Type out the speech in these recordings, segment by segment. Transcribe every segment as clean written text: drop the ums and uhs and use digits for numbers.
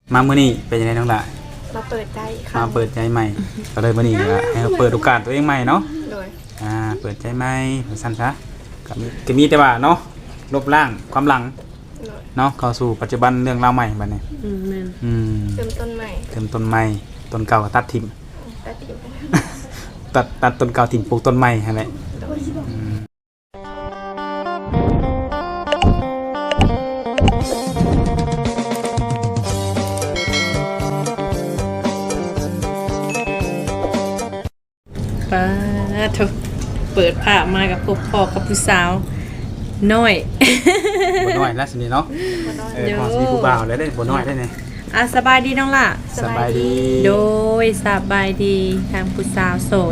มามื้อนี้เป็นยังไงน้องล่ะมาเปิดใจค่ะมาเปิดใจใหม่ก็เลยมื้อนี้ก็ให้เราเปิดโอกาสตัวเองใหม่เนาะโดยเปิดใจใหม่สั้นซะก็มีแต่ว่าเนาะลบล้างความหลังเนาะเข้าสู่ปัจจุบันเรื่องราวใหม่บัดนี้แม่นเติมต้นใหม่ต้นเก่าก็ตัดทิ่มตัดทิ่มตัดต้นเก่าทิ่มปลูกต้นใหม่หั่นแหละป้าทุกเปิดผ้ามากับพวกพ่อกับผู้สาวน้อยบ่น้อยแล้วสินี่เนาะพอสิมีผู้บ่าวแล้วได้บ่น้อยได้นี่สบายดีน้องล่ะสบายดีโดยสบายดีทางผู้สาวโสด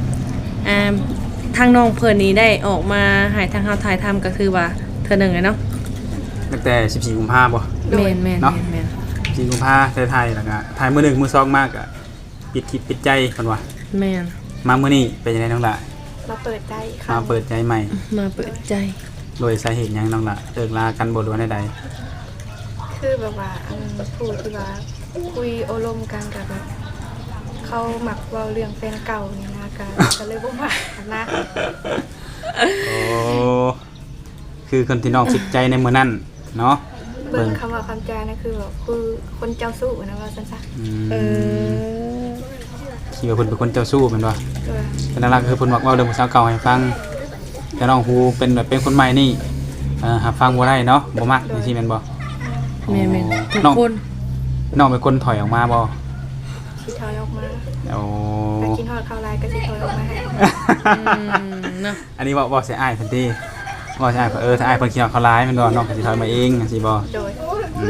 ทางน้องเพิ่นนี้ได้ออกมาหายทางเฮาถ่ายทำก็คือว่าเทื่อนึงเลยเนาะตั้งแต่14กุมภาพันธ์บ่แม่น 14กุมภาพันธ์ไทยแล้วก็ถ่ายมื้อ1มื้อ2มากก็ปิดคลิปปิดใจเพิ่นว่าแม่นมามื้อนี้เป็นยังไงน้องล่ะมาเปิดใจค่ะมาเปิดใจใหม่มาเปิดใจโดยสาเหตุหยังน้องล่ะเลิกลากันบ่หรือว่าใดคือแบบว่าพูดที่ว่าคุยอารมณ์กันกับแบบเขาหมักเว้าเรื่องแฟนเก่านี่นะก็เลยบ่มักนะโอ้คือคนที่น้องคิดใจในมื้อนั้นเนาะเบิ่งคำว่าคำจานะคือแบบคือคนเจ้าสู้นะว่าซั่นซะคิดว่าเพิ่นเป็นคนเจ้าสู้แม่นบ่เป็นอะไรคือเพิ่นมักเว้าเรื่องผู้สาวเก่าให้ฟังแต่น้องฮูเป็นแบบเป็นคนใหม่นี่หาฟังบ่ได้เนาะบ่มักจังซี่แม่นบ่แม่นทุกคนน้องเป็นคนถอยออกมาบ่สิถอยออกมาโอ้ไปกินฮอดข้าวลายก็สิถอยออกมาให้เนาะอันนี้บ่สิอ้ายเพิ่นติบ่สิอ้ายถ้าอ้ายเพิ่นกินฮอดข้าวลายแม่นบ่น้องก็สิถอยมาเองจังซี่บ่โดย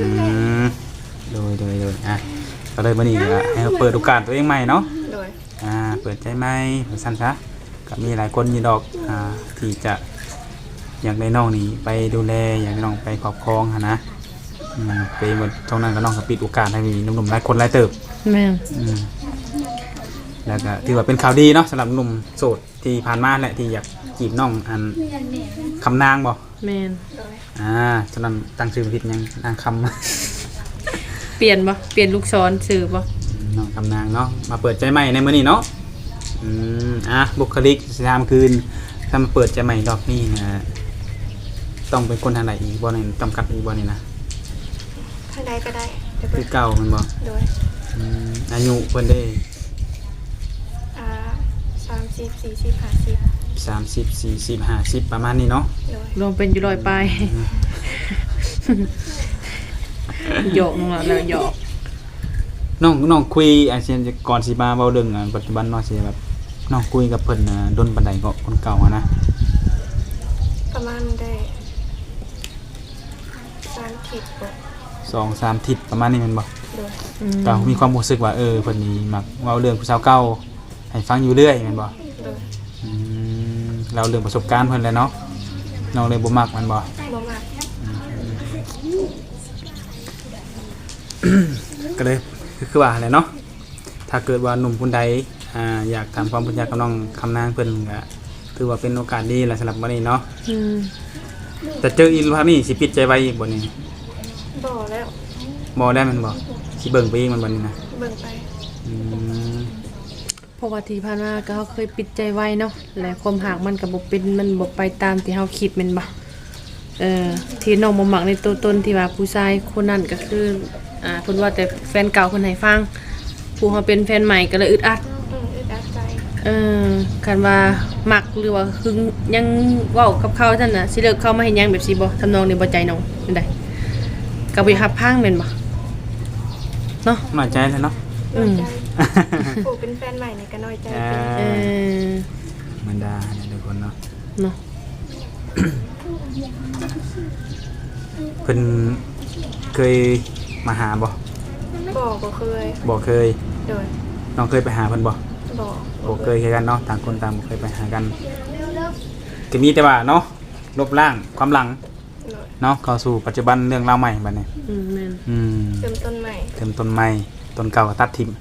โดยก็เลยมื้อนี้ก็ให้เปิดโอกาสตัวเองใหม่เนาะโดยเปิดใจใหม่สั้นซะก็มีหลายคนอยู่ดอกที่จะอยากได้น้องนี่ไปดูแลอยากได้น้องไปครอบครองหั่นนะไปหมดตรงนั้นก็น้องก็ปิดโอกาสให้มีหนุ่มๆหลายคนหลายเติบแม่แล้วก็ถือว่าเป็นข่าวดีเนาะสำหรับหนุ่มโสดที่ผ่านมาแหละที่อยากจีบน้องอันคำนางบ่แม่นฉะนั้นตั้งชื่อผิดยังนางคำเปลี่ยนบ่เปลี่ยนลูกศรชื่อบ่น้องคำนางเนาะมาเปิดใจใหม่ในมื้อนี้เนาะบุคลิกสถานคืนถ้ามาเปิดใจใหม่รอบนี้นะต้องเป็นคนทางไหนอีกบ่ในจำกัดอีกบ่นี่นะทางใดก็ได้คือเก่ามันบ่โดยอายุเพิ่นได้30 40 50ประมาณนี้เนาะรวมเป็นอยู่100ปลายหยอกนั่นแหละหยอกน้องคุยอาเซียนก่อนสิมาเว้าเรื่องปัจจุบันเนาะสิแบบน้องคุยกับเพิ่นดนปานใดก็คนเก่านะประมาณได้3 ทิศบ่ 2-3 ทิศประมาณนี้แม่นบ่ก็มีความรู้สึกว่าเพิ่นนี่มักเว้าเรื่องผู้สาวเก่าให้ฟังอยู่เรื่อยแม่นบ่เราเรื่องประสบการณ์เพิ่นแหละเนาะน้องเลยบ่มักมันบ่มักก็เลยคือว่าแหละเนาะถ้าเกิดว่าหนุ่มคนใดอยากทำความรู้จักกับน้องคำนางเพิ่นก็ถือว่าเป็นโอกาสดีแหละสำหรับวันนี้เนาะแต่เจออีกภาพนี้สิปิดใจไว้อีกบ่นี่บ่แล้วมันบ่สิเบิ่งไปอีกมันบ่นี่นะเบิ่งไปเพราะว่าที่ผ่านมาก็เฮาเคยปิดใจไว้เนาะและความหักมันก็บ่เป็นมันบ่ไปตามที่เฮาคิดแม่นบ่ที่น้องบ่มักในตัวตนที่ว่าผู้ชายคนนั้นก็คือเพิ่นว่าแต่แฟนเก่าเพิ่นให้ฟังผู้เฮาเป็นแฟนใหม่ก็เลยอึดอัดใจคันว่ามักหรือว่าหึงยังเว้ากับเขาซั่นน่ะสิเลิกเข้ามาเฮ็ดหยังแบบสิบ่ทำนองนี้บ่ใจน้องเป็นไดก็บ่รับพังแม่นบ่เนาะน้อยใจแล้วเนาะผู้เป็นแฟนใหม่นี่ก็น้อยใจมันดาทุกคนเนาะเพิ่นเคยมาหาบ่เคยโดยน้องเคยไปหาเพิ่นบ่เคยคือกันเนาะต่างคนต่างบ่เคยไปหากันก็มีแต่ว่าเนาะลบล้างความหลังเนาะเข้าสู่ปัจจุบันเรื่องราวใหม่บัดนี้เติมต้นใหม่ต้นเก่าก็ตัดทิ่ม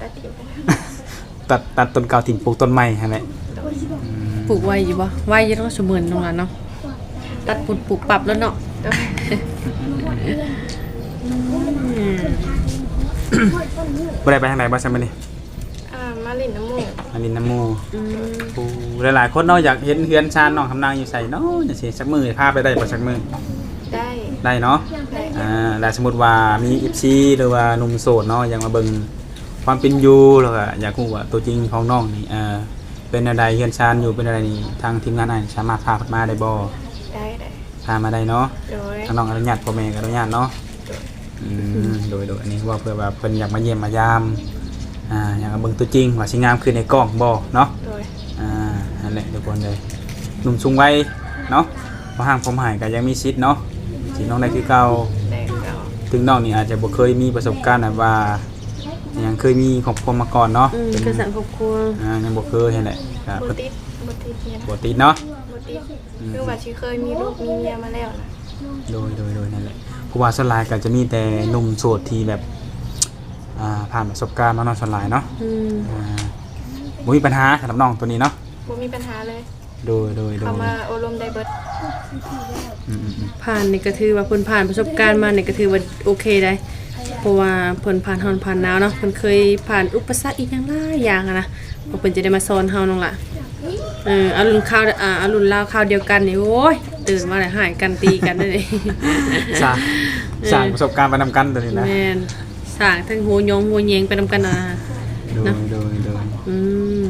ตัดต้นเก่าทิ่มปลูกต้นใหม่หั่นแหละปลูกไว้อยู่บ่ไว้อยู่เนาะสมมื้อน้องล่ะเนาะตัดปลูกปรับแล้วเนาะบ่ได้ไปทางไหนบ่ซั่นมื้อนี้มาลินน้ำหมูกมาลินน้ำหมู่อืมโอ้หลายๆคนเนาะอยากเห็นเฮือนชานน้องคำนางอยู่ไสเนาะจังซี่สักมื้อพาไปได้บ่สักมื้อได้ได้เนาะได้แล้วสมมุติว่ามี FC หรือว่าหนุ่มโสดเนาะอยากมาเบิ่งความเป็นอยู่แล้วก็อยากรู้ว่าตัวจริงของน้องนี่เป็นอะไรเฮือนชานอยู่เป็นอะไรนี่ทางทีมงานอ้ายสามารถพาเพิ่นมาได้บ่ได้ได้พามาได้เนาะโดยทางน้องอนุญาตพ่อแม่ก็อนุญาตเนาะโดยอันนี้ว่าเพื่อว่าเพิ่นอยากมาเยี่ยมมายามอยากมาเบิ่งตัวจริงว่าสิงามคือในกล้องบ่เนาะโดยนั่นแหละทุกคนเลยหนุ่มสูงวัยเนาะบ่ห่างผมหายก็ยังมีสิทธิ์เนาะสิน้องได้คือเก่าได้เก่าถึงน้องนี่อาจจะบ่เคยมีประสบการณ์แบบว่ายังเคยมีครอบครัวมาก่อนเนาะคือสังครอบครัวยังบ่เคยนั่นแหละก็บ่ติดบ่ติดเนี่ยนะปกติเนาะบ่ติดคือว่าชีเคยมีลูกมีเมียมาแล้วนะโดยนั่นแหละผู้ว่าส่วนหลายก็จะมีแต่หนุ่มโสดที่แบบผ่านประสบการณ์มาเนาะส่วนหลายเนาะบ่มีปัญหาสำหรับน้องตัวนี้เนาะบ่มีปัญหาเลยโดยเขามาอบรมได้เบิดอืมผ่านนี่ก็ถือว่าเพิ่นผ่านประสบการณ์มานี่ก็ถือว่าโอเคได้เพราะว่าเพิ่นผ่านร้อนผ่านหนาวเนาะเพิ่นเคยผ่านอุปสรรคอีกอย่างหลายอย่างอะนะเพราะเพิ่นจะได้มาสอนเฮาน้องล่ะอรุณข้าวอรุณลาวข้าวเดียวกันนี่โอ้ยตื่นมาแล้วหายกันตีกันได้เลยสร้างประสบการณ์ไปนำกันตัวนี้นะแม่นสร้างทั้งหัวยงหัวแยงไปนำกันนะโดยอืม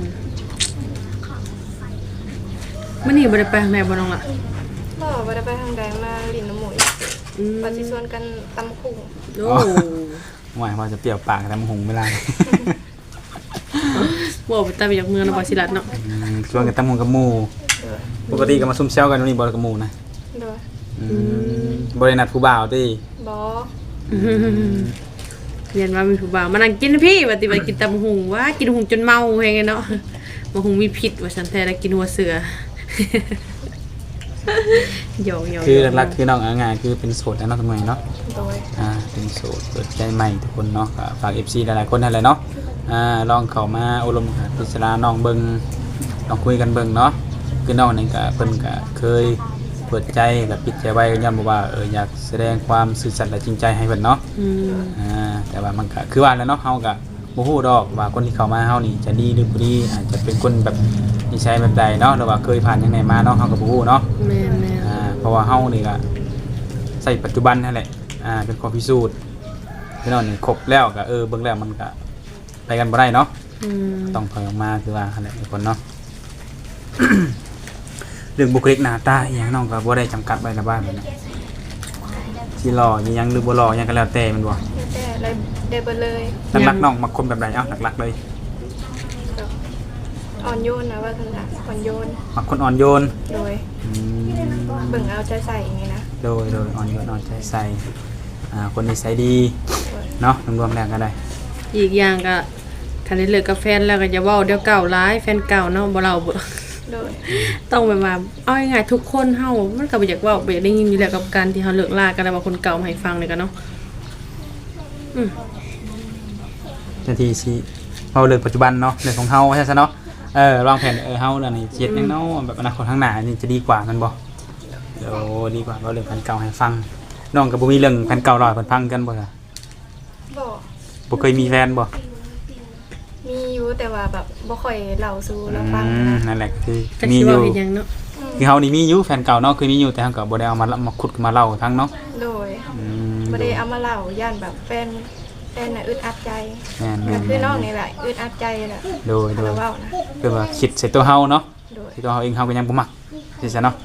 มื้อนี้บ่ได้ไปทางไหนบ่น้องล่ะพ่อบ่ได้ไปทางใดมาลินน้ำหมูกอืมว่าสิชวนกันตำคุ่งโอ้หมายว่าจะเปรี้ยวปากแต่มันหงไม่ได้บ่ไปตามจากเมืองนครศรีรัตน์เนาะชวนกันตั้งหงกับหมู่โดยปกติก็มาซุ่มเซลกันวันนี้บอลกับหมู่นะโดยบริณัทผู้บ่าวที่บ่เรียนว่ามีผู้บ่าวมานั่งกินนะพี่ว่าติว่ากินตำหุงว่ากินหุงจนเมาแฮงไงเนาะบ่หุงมีพิษว่าซั่นแท้แล้วกินหัวเสือ หยอกๆคือหลักๆคือน้องงานคือเป็นโสดแล้วเนาะทำไมเนาะโดยเป็นโสดเปิดใจใหม่ทุกคนเนาะก็ฝาก FC หลายๆคนนั่นแหละเนาะลองเข้ามาอบรมพิจารณาน้องเบิ่งลองคุยกันเบิ่งเนาะคือน้องนี่ก็เพิ่นก็เคยเปิดใจแบบปิดใจไว้ย้ำว่าอยากแสดงความซื่อสัตย์และจริงใจให้เพิ่นเนาะ แต่ว่ามันก็คือว่าแล้วเนาะเฮาก็บ่ฮู้ดอกว่าคนที่เข้ามาเฮานี่จะดีหรือบ่ดีอาจจะเป็นคนแบบนิสัยแบบใดเนาะหรือว่าเคยผ่านยังไงมาเนาะเฮาก็บ่ฮู้เนาะแม่นเพราะว่าเฮานี่ก็ใส่ปัจจุบันนั่นแหละเป็นข้อพิสูจน์พี่น้องนี่ครบแล้วก็เบิ่งแล้วมันก็ไปกันบ่ได้เนาะ ต้องถอยออกมาคือว่าหั่นแหละทุกคนเนาะ เรื่องบุคลิกหน้าตาอหยังน้องก็บ่ได้จำกัดไว้ละบ้านนะสิหล่ออีหยังหรือบ่หล่อหยังก็แล้วแต่มันบ่แต่ได้เบิดเลยหลักๆน้องมักคนแบบใดหลักๆเลยแบบอ่อนโยนนะว่าซั่นน่ะอ่อนโยนมักคนอ่อนโยนโดยเบิ่งเอาใจใส่อย่างนี้นะโดยอ่อนโยนอ่อนใจใส่คนนิสัยดีเนาะรวมๆแล้วก็ได้อีกอย่างก็คันได้เลิกกับแฟนแล้วก็อย่าเว้าเดี๋ยวเก่าร้ายแฟนเก่าเนาะบ่เล่าบ่โดยต้องแบบว่าเอาง่ายๆทุกคนเฮามันก็บ่อยากเว้าบ่อยากได้ยินอยู่แล้วกับการที่เฮาเลิกลากันแล้วว่าคนเก่ามาให้ฟังนี่ก็เนาะทันทีสิเอาเรื่องปัจจุบันเนาะเรื่องของเฮาใช่ซะเนาะวางแผนเฮาแล้วนี่เฮ็ดจังเนาะแบบอนาคตข้างหน้านี่จะดีกว่ามันบ่เดี๋ยวดีกว่าเอาเรื่องแฟนเก่าให้ฟังน้องก็บ่มีเรื่องแฟนเก่าเล่าให้เพิ่นฟังกันบ่ล่ะบ่บ่เคยมีแฟนบ่มีอยู่แต่ว่าแบบบ่ค่อยเล่าสู่เราฟังนะนั่นแหละคือจักมีสิอเว้ายู่เฮ็ดหยังเนาะคือเฮานี่มีอยู่แฟนเก่าเนาะคือมีอยู่แต่เฮาก็บ่ได้เอามาขุดมาเล่าทั้งเนาะโดยบ่ได้เอามาเล่าย่านแบบแฟนน่ะอึดอัดใจแม่นก็คือน้องนี่แหละอึดอัดใจแหละโดยถ้าเราเว้านะคือว่าคิดใส่ตัวเฮาเนาะโดยที่ตัวเฮาเองเฮาก็ยังบ่มักสิซะเนาะ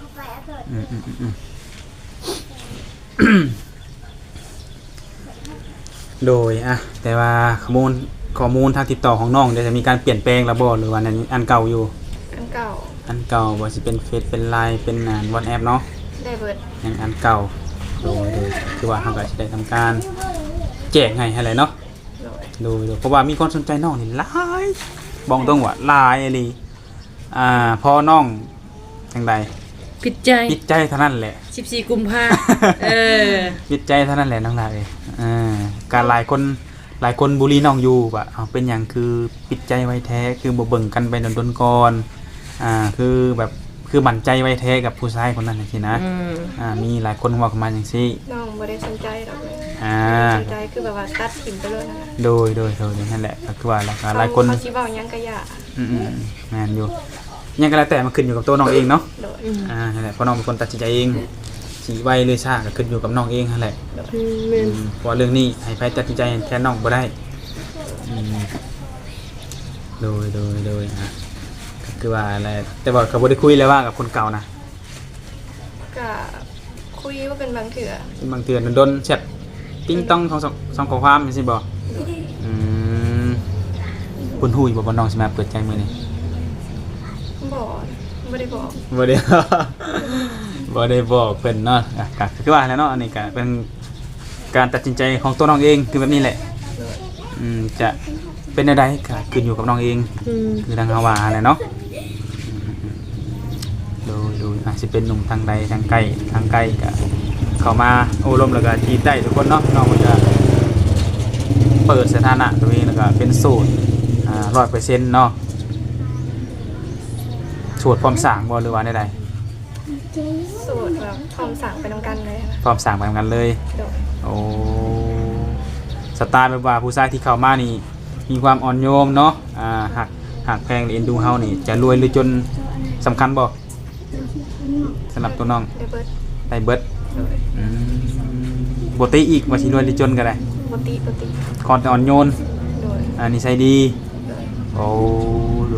โดยแต่ว่าข้อมูลทางติดต่อของน้องเดี๋ยวจะมีการเปลี่ยนแปลงแล้วบ่หรือว่าอันเก่าอยู่อันเก่าอันเก่าบ่สิเป็นเฟซเป็น LINE เป็นWhatsApp เนาะได้เบิดยังอันเก่าโดยคือว่าเฮาก็สิได้ทำการแจ้งให้แหละเนาะโดยโดยเพราะว่ามีคนสนใจน้องนี่หลายบอกตรงว่าหลายอีหลีพอน้องจังใดผิดใจปิดใจเท่านั้นแหละ 14กุมภาปิดใจเท่านั้นแหละน้องลาการหลายคนบุรีน้องอยู่ว่าเป็นอย่างคือปิดใจไว้แท้คือบ่เบิ่งกันไปดนๆก่อนคือแบบคคือมั่นใจไว้แท้กับผู้ชายคนนั้นจังซี่นะมีหลายคนเว้าเข้ามาจังซี่น้องบ่ได้สนใจดอกเลยอ่าสนใจคือแบบว่าตัดถิ่มไปเลยนะโดยนั่นแหละก็คือว่าหลายคนเขาสิเว้าหยังก็อย่าแม่นอยู่ยังก็แล้วแต่มันขึ้นอยู่กับตัวน้องเองเนาะโดยนั่นแหละเพราะน้องเป็นคนตัดสินใจเองสิไวหรือช้าก็ขึ้นอยู่กับน้องเองนั่นแหละแม่นเพราะว่าเรื่องนี้ให้ไผตัดสินใจแทนน้องบ่ได้โดยก็คือว่าอะไรแต่ว่าเขาบ่ได้คุยเลยว่ากับคนเก่านะก็คุยว่าเป็นบางเถื่อบางเทื่อโดนแชทติ้งต้องสองข้อความจังซี่บ่คุณฮู้อยู่บ่ว่าน้องสิมาเปิดใจมื้อนี้บอกไม่ได้บอกบ่ได้ บ่ได้บอกเพิ่นเนาะก็คือว่าแล้วเนาะอันนี้ก็เป็นการตัดสินใจของตัวน้องเองคือแบบนี้แหละจะเป็นอะไรก็ขึ้นอยู่กับน้องเองคือทางเฮาว่าแหละเนาะดูสิเป็นหนุ่มทางใดทางใกล้ก็เข้ามาโอ้ลมแล้วก็จีบได้ทุกคนเนาะน้องก็จะเปิดสถานะตัวเองแล้วก็เป็นโสด100%เนาะโสดพร้อมสร้างบ่หรือว่าใดสูตรแบบพร้อมสั่งไปทำกันเลยนะพร้อมสร้างไปทำกันเลยโดยโอ้สไตล์แบบว่าผู้ชายที่เข้ามานี่มีความอ่อนโยมเนาะหักแพงเอ็นดูเฮานี่จะรวยหรือจนสำคัญบ่สำหรับตัวน้องได้เบิดได้เบิดโดยบ่ติอีกว่าสิรวยหรือจนก็ได้ปกติคอนแต่อ่อนโยนโดยนิสัยดีโดยโอ้ดู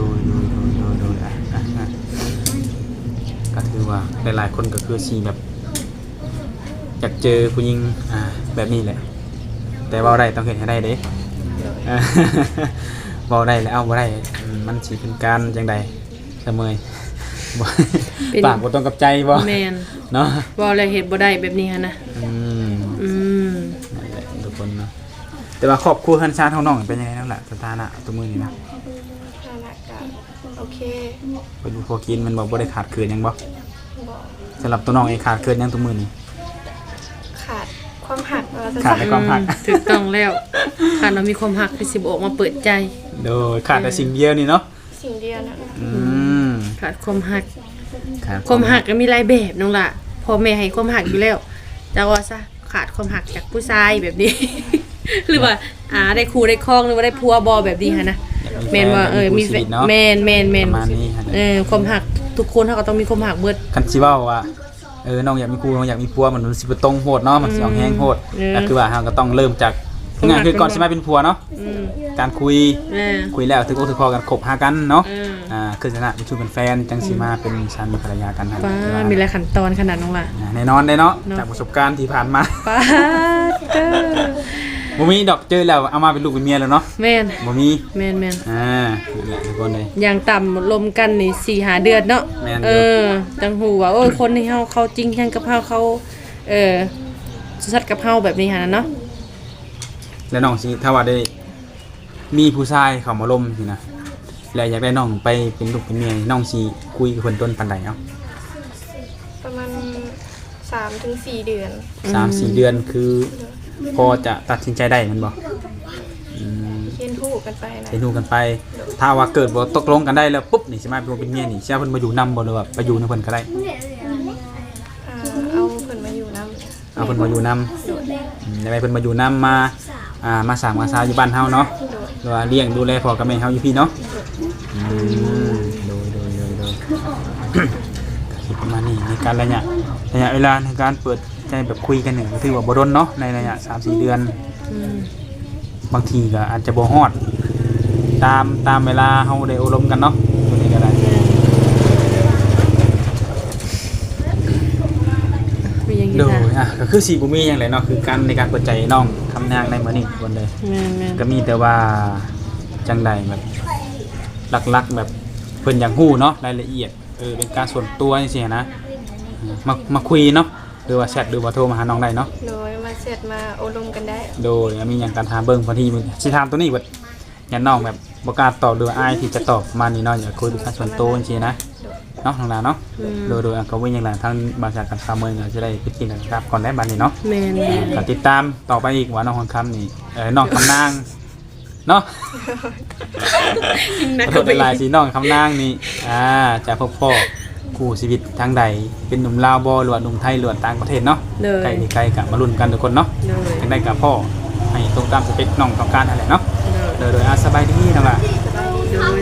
ก็ถือว่าหลายๆคนก็คือสิแบบอยากเจอผู้หญิงแบบนี้แหละ แต่ว่าได้ต้องเห็นให้ได้เด้โดยบ่ได้แล้วเอาบ่ได้มันสิเป็นการจังใดเสมอบ่ปากบ่ตรงกับใจบ่แม่นเนาะบ่แล้วเฮ็ดบ่ได้แบบนี้หั่นนะอืมนั่นแหละทุกคนเนาะแต่ว่าครอบครัวคันชาติของน้องเป็นยังไงนั่นแหละสถานะตัวมือนี่นะฐานะก็โอเคเป็นพอกินมันบ่ได้ขาดเกินหยังบ่บอกสำหรับตัวน้องเองขาดเกินหยังตัวมือนี่ขาดความหักเราจะขาดในความหักถูกต้องแล้วคันเรามีความหักคือสิบ่ออกมาเปิดใจโดยขาดแต่สิ่งเดียวนี่เนาะสิ่งเดียวนะขาดความหักขาดความหักก็มีหลายแบบน้องล่ะพ่อแม่ให้ความหักอยู่แล้วแต่ว่าซะขาดความหักจากผู้ชายแบบนี้ หรือว่าได้คู่ได้ครองหรือว่าได้ผัวบ่แบบนี้หั่นนะแม่นว่ามีแฟนแม่นประมาณนี้ฮะความหักทุกคนเขาก็ต้องมีความหักเบิดคันสิเว้าว่าน้องอยากมีครูน้องอยากมีผัวมันสิบ่ตรงโหดเนาะมันสิเอาแห้งโหดก็คือว่าเฮาก็ต้องเริ่มจากงานคือก่อนสิมาเป็นผัวเนาะการคุยแล้วถึงอกถึงคอกันคบหากันเนาะคือสถานะเป็นชูเป็นแฟนจังสิมาเป็นสามีภรรยากันหั่นป้ามีหลายขั้นตอนขนาดน้องล่ะแน่นอนได้เนาะจากประสบการณ์ที่ผ่านมาป้าเด้อบ่มีดอกเจอแล้วเอามาเป็นลูกเป็นเมียแล้วเนาะแม่นบ่มีแม่นนั่นแหละทุกคนเลยอย่างต่ำลมกันนี่4-5 เดือนเนาะแม่นอยู่จังหูว่าโอ้ยคนที่เขาจริงจังกับเขาสัตย์กับเฮาแบบนี้หั่นเนาะแล้วน้องสิถ้าว่าได้มีผู้ชายเข้ามาล้มสินะแล้วอยากได้น้องไปเป็นลูกเป็นเมียน้องสิคุยกับเพิ่นต้นปานใดเนาะประมาณ3-4 เดือน 3-4 เดือนคือพอจะตัดสินใจได้แมันบ่เรียนรู้กันไปนะไปดูกันไป ถ้าว่าเกิดบ่ตกลงกันได้แล้วปุ๊บนี่สิมาเป็นเมียนี่สิเอาเพิ่นมาอยู่นำบ่หรือว่าไปอยู่ในเพิ่นก็ได้เอาเพิ่นมาอยู่นำเอาเพิ่นมาอยู่นำได้ไปเพิ่นมาอยู่นำมาสร้างมาซาอยู่บ้านเฮาเนาะหรือว่าเลี้ยงดูแลพ่อกับแม่เฮาอยู่พี่เนาะโดย คิดประมาณนี้ในการระยะเวลาในการเปิดใจแบบคุยกันเนี่ยถือว่าบ่ดนเนาะในระยะ 3-4 เดือนบางทีก็อาจจะบ่ฮอดตามเวลาเฮาได้อบรมกันเนาะตัวนี้ก็ได้มีอย่างนี้โดยนะก็คือสิบ่มีหยังเลยเนาะคือการในการเปิดใจน้องคำนางในมื้อนี้คนเลยแม่นก็มีแต่ว่าจังใดแบบหลักๆแบบเพิ่นอยากฮู้เนาะรายละเอียดเป็นการส่วนตัวจังซี่นะมาคุยเนาะหรือว่าแชทหรือว่าโทรมาหาน้องได้เนาะโดยมาเสร็จมาอบรมกันได้โดยมีอย่างการถามเบิ่งบางทีสิถามตัวนี้เบิดอย่าน้องแบบบ่กล้าตอบหรืออายที่จะตอบมานี่เนาะอย่าคุยเป็นการส่วนตัวจังซี่นะเนาะทางด้านเนาะโดยก็วิ่งอย่างไรทางบริษัทการค้าเมืองก็จะได้พิจารณาครับก่อนได้บัดนี้เนาะแม่นก็ติดตามต่อไปอีกว่าน้องคำคำนี่น้องคำนางเนาะนะขอโทษเป็นลายสีน้องคำนางนี่จะพบพ่อคู่ชีวิตทางใดเป็นหนุ่มลาวบ่หรือว่าหนุ่มไทยหรือว่าต่างประเทศเนาะเลยไกลนี่ไกลก็มาลุ้นกันทุกคนเนาะเลยจังได้กับพ่อให้ตรงตามสเปคน้องต้องการนั่นแหละเนาะเลยโดยสบายดีนะว่าเลย